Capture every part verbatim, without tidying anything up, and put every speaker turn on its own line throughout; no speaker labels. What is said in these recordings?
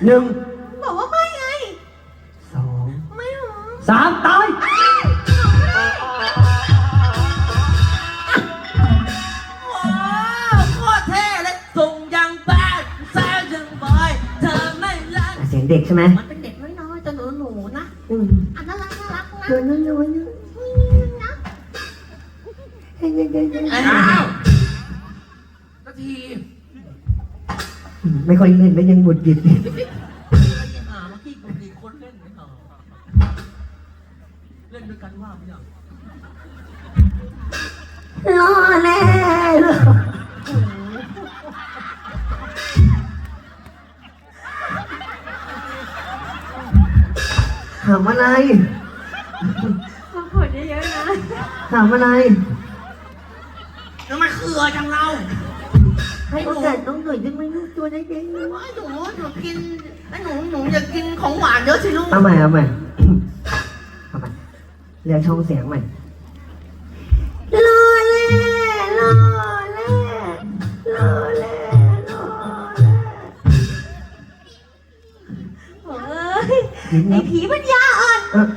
หนึ่ง
บอกว่าไม่ไง
สอง
ไม่หรอ
สามตาย
โคตรเท่เลยส่งยังแบดแซ่ยังบอยเธอไม่รัก
เสียงเด็กใช่ไหม
มันเป็นเด็กน้อยๆจะหนูหนูนะ
อืม
อันน่ารักน่ารักนะ
ตัวน้อยๆนะเฮ้ยๆ
อ้าวนาที
ๆไม่ค่อยเล่นแล้วยังหงุดหงิด
หาเมื่อกี้ปกติคนเล่นไม่หรอเล่นด้วยกันว่าไม่หรอ
รอแน่ถามอะไร
มาผลเยอะๆนะ
ถามอะไร
ทำไมเขื่อจังเรา
ให้โอกาสต้องหน่อยได้ไหมลูกตัวเล็กๆ
ว่าหนูหนูกินหนูหนูอยากกินของหวานเยอะสิลูก
เอาใหม่เอาใหม่เอาใหม่เรียกช่องเสียงใหม่รอเล่รอเล่รอเล่รอเล่
เฮ้ยไอ้ผีปัญญาอ่อน
เออ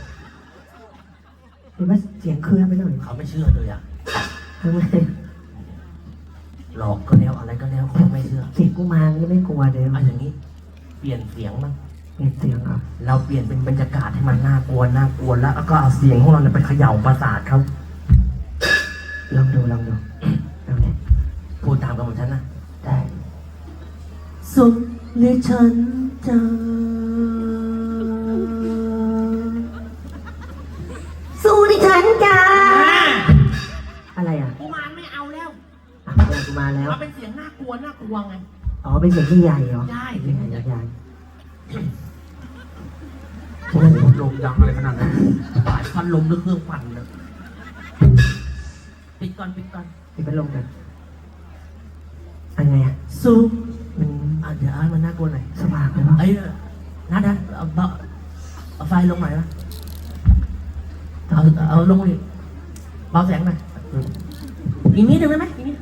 เห็นว่าเสียงเคลื่อนไปหน่อย
เขาไม่เชื่อเลยอะ
ทำไม
หลอกก็แล้วอะไรก็แล้วเขาไม่เชื่อ
เสียงกูมารก็ไม่กลัวเดี๋ยว
เอาอย่างนี้ เปลี่ยนเสียงมั้ง
เปลี่ยนเสียงอ่ะ
เราเปลี่ยนเป็นบรรยากาศให้มันน่ากลัวน่ากลัวแล้วก็เอาเสียงของเราเนี่ยไปเขย่าประสาทเขา
ลองดูลองดูลองดู
พูดตามกับผมฉันนะ
ได้
สุขในฉันจะสู้ในฉันจ้า
อะไรอ่ะ
กูมารไม่เอาแล้ว
อ่ะอะไรกูมาแล้ว
เอาเป็นเสียงน่ากลัวน่ากลัวไง
อ๋อเป็นเสียงที่ใหญ่เหรอ
ใช่
เสียงใหญ่ใหญ่
โอ้โหลมดังอะไรขนาดนั้นปาดฟันลมหรือเครื่องปั่นเนี่ยปิดก่อนปิดก่อน
ปิดพัดลมกันอะไรอ่ะ
ซุป
มัน
อ่ะเดี๋ยวอ่านมันน่ากลัวหน่อย
สว่างเลยปะ
ไอ้นัดนะเอาเบาเอาไฟลงหน่อยนะเอาเอาลงดิเบาแสงหน่อยอีกนิดนึงได้ไหมอีกนิด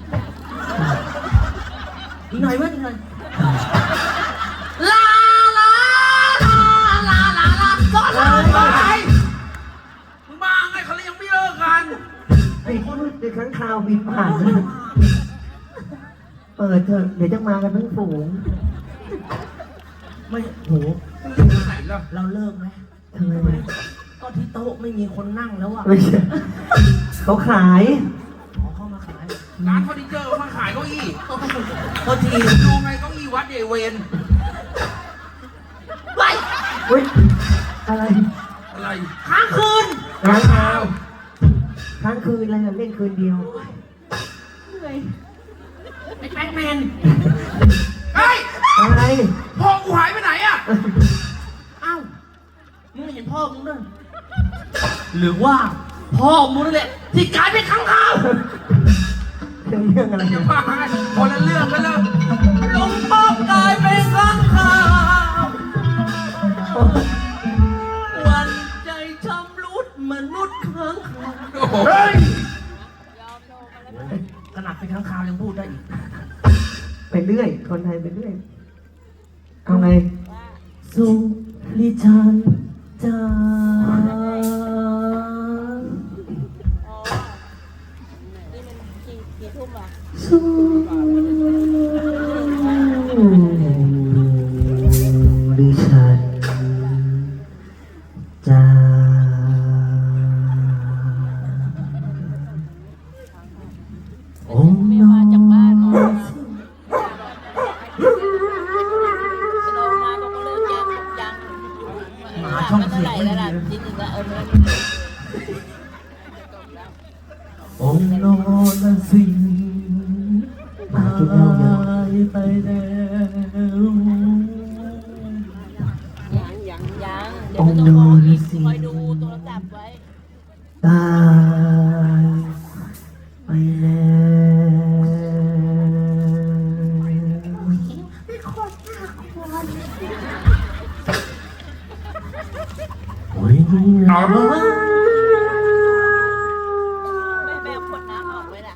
อีกหน่อยเว้ยอีกหน่อยลาลาลาลาลาลาก็ลาไปมึงมาไงเขาเลยยังไม่เลิกกัน
ไอ้คนเด็กข้างคาวบินผ่านเปิดเถอะเดี๋ยวจะมากันทั้งฝูง
ไม่โหเราเลิกไหม
ทำไม
ก็ที่โต๊ะไม่มีคนนั่งแล้วอ่ะ
ไม่ใช่เขาขาย
อ๋อเข้ามาขาย
ร้านเฟอร์นิเจอร์มาขายเก้าอี้
โทษที
ดูไงเก้าอี้วัดเยเวน
ไป
เฮ้ยอะไร
อะไร
ค้างคืน
ร้านคาวค้างคืนอะไรเล่นคืนเดียว
เหนื่อย
ไอ้แบ็คแมน
เฮ้ย
อะไร
พ่อกูหายไปไหนอะ
อ้าวมึงเห็นพ่อมึงด้วยหรือว่าพ่อมึงนั่นแหละที่กลายเป็นค้างคาว
เรื่องเรื่องอะไร
เดี๋ยวมาคนละเรื่องกันแล้ว
หลวงพ่อกลายเป็นค้างคาววันใจชำรุดมนุษย์ค้างคาว
เฮ้ย
ขนาดเป็นค้างคาวยังพูดได้อีก
ไปเรื่อยคนไทยไปเรื่อยเอาไง
สุริชันจ้า
สู้ดิฉันจะองค์น้อง
ลงมาก็เลิกเจอจัง
หมาช่อง
เท่า
เสีย
ไหร่
ง
แล้วล่ะนิดนึงละเออ
องค์นอนสิง
หมากินเหล้าเยอะ
ไปแล้ว
ยังยังยังเดี๋ยวจะขออีกคอยดูโทรศัพท์ไว้
ตายไปแล้วโอ้ยเอาเลย
ไม่แม่ขวดน้ำออกไว้ล่ะ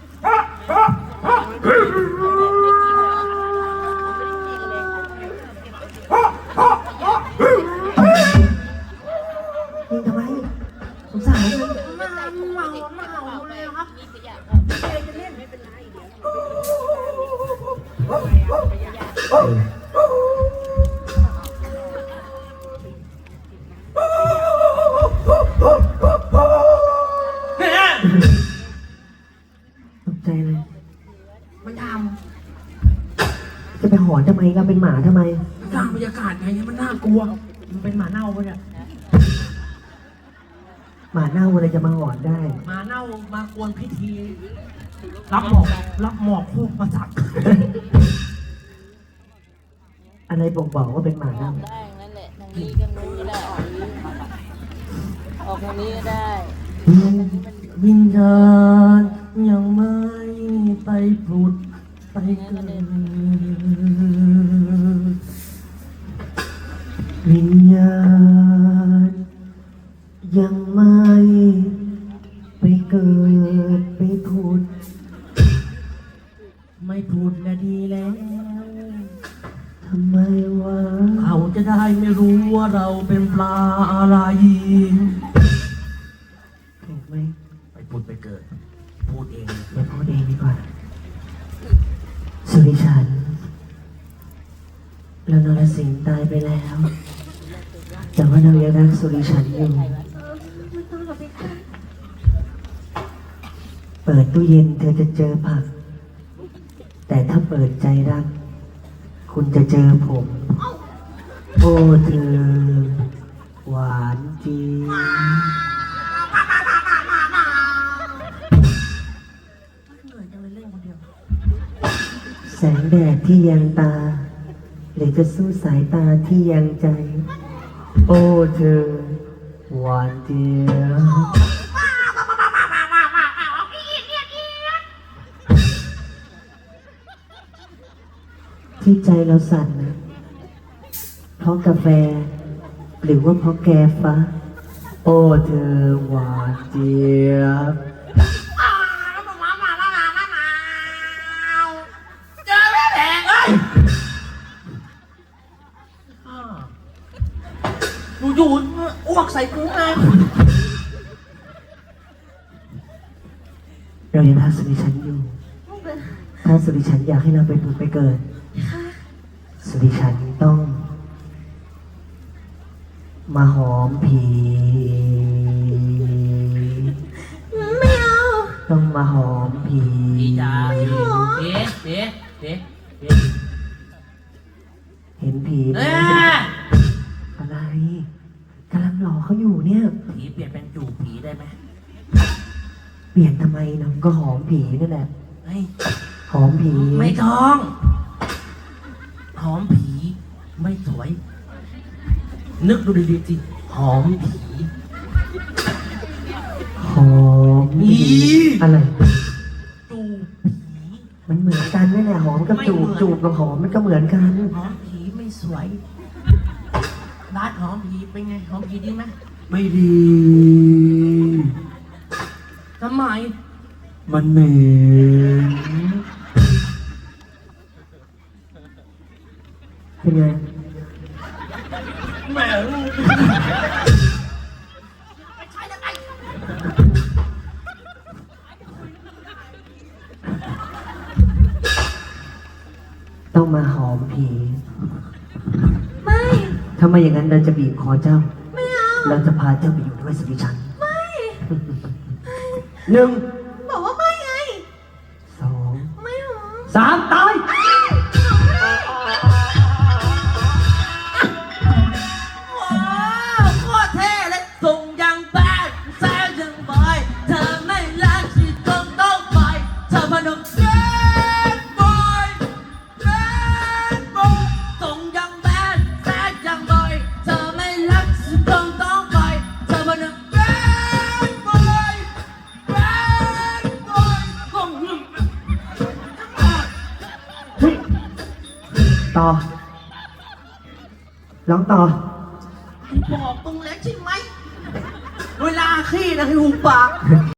เราเป็นหมาทำไม
สร้างบรรยากาศไงให้มันน่ากลัว
มันเป็นหมาเน่าปะเนี่ย
หมาเน่าอะไรจะมาหอนได้
หมาเน่ามากวนพิธี รับหมอกรับหมอกคู่ประสัก
อะไรบ่งบอกว่าเป็นหมา
ออ
เน่าก
ได้นั่นแหละทางนี้กันนู้นก็ได้ออกนี้ออกทางนี้ก็ได้
วิญญาณยังไม่ไปผุดไปเกิดวิญญาณยังไม่ไปเกิดไปผุดไม่ผุดและดีแล้วทำไมวะเขาจะได้ไม่รู้ว่าเราเป็นปลาอะไรถูกไหม
ไปพูดไปเกิด พูดเอง
เดี๋ยวพูดเองดีกว่า สุริชันเรานรสิงห์ตายไปแล้ว แต่ว่าเรายังรักสุริชันอยู่ เปิดตู้เย็นเธอจะเจอผัก แต่ถ้าเปิดใจรัก คุณจะเจอผม โอ้เธอ หวานจริง แสงแดดที่ยังตา หรือจะสู้สายตาที่ยังใจ โอ้เธอ หวานเดียวที่ใจเราสั่นนะ เพราะกาแฟ หรือว่าเพราะแกฟ้า โอ้เธอ หวานเจี๊ยบ
เจอแม่แผงเอ้ยอยู่ๆอ้วกใส่กูไง
เรายังรักสุริชันอยู่ ถ้าสุริชันอยากให้เราไปผุดไปเกิด สุริชันต้อง มาหอมผี
ไม่เอา
ต้องมาหอมผี
พี่จ๋าพี่เอ๊ะเอ๊ะเอ๊ะเอ๊ะ
เห็นผีไหม
เอ๊ะ
อะไรกำลังหลอกเขาอยู่เนี่ย
ผีเปลี่ยนเป็นจูบผีได้ไหม
เปลี่ยนทำไมน้องก็หอมผีนั่นแหละ
เฮ้ย
หอมผี
ไม่ท้องหอมผีไม่สวย นึกดูดีๆสิหอมผี
หอมผี
อี
อะไร
จูบผี
มันเหมือนกันนั่นแหละหอมกับจูบ
ไม่เหมือน
จูบกับหอมมันก็เหมือนกัน
หอมผีไม่สวยร้านหอมผีเป็นไงหอมผีดีไหม
ไม่ดี
ทำไม
มันเหม็น
เป็นไง
แหม
ต้องมาหอมผี
ไม่
ถ้าไม่อย่างนั้นเราจะบีบคอเจ้า
ไม่เอา
เราจะพาเจ้าไปอยู่ด้วยสุริชัน ไม่ หนึ่ง
บอกว่าไม่ไง
สอง
ไม่หรอ
สามตาย
ว้าวโคตรเท่เลยส่งยังแบดแซวยังบอยเธอไม่รักที่ต้องต้องไปเธอพนมแบดบอยแบดบอยส่งยังแบดแซวยังบอยเธอไม่รักที่ต้องต้องไปเธอพนมแบดบอยแบดบอยส่งยัง
เฮ้ยต่อ ร้องต่อ
บอกตรงแล้วใช่ไหม เวลาขี้นะให้หูปาก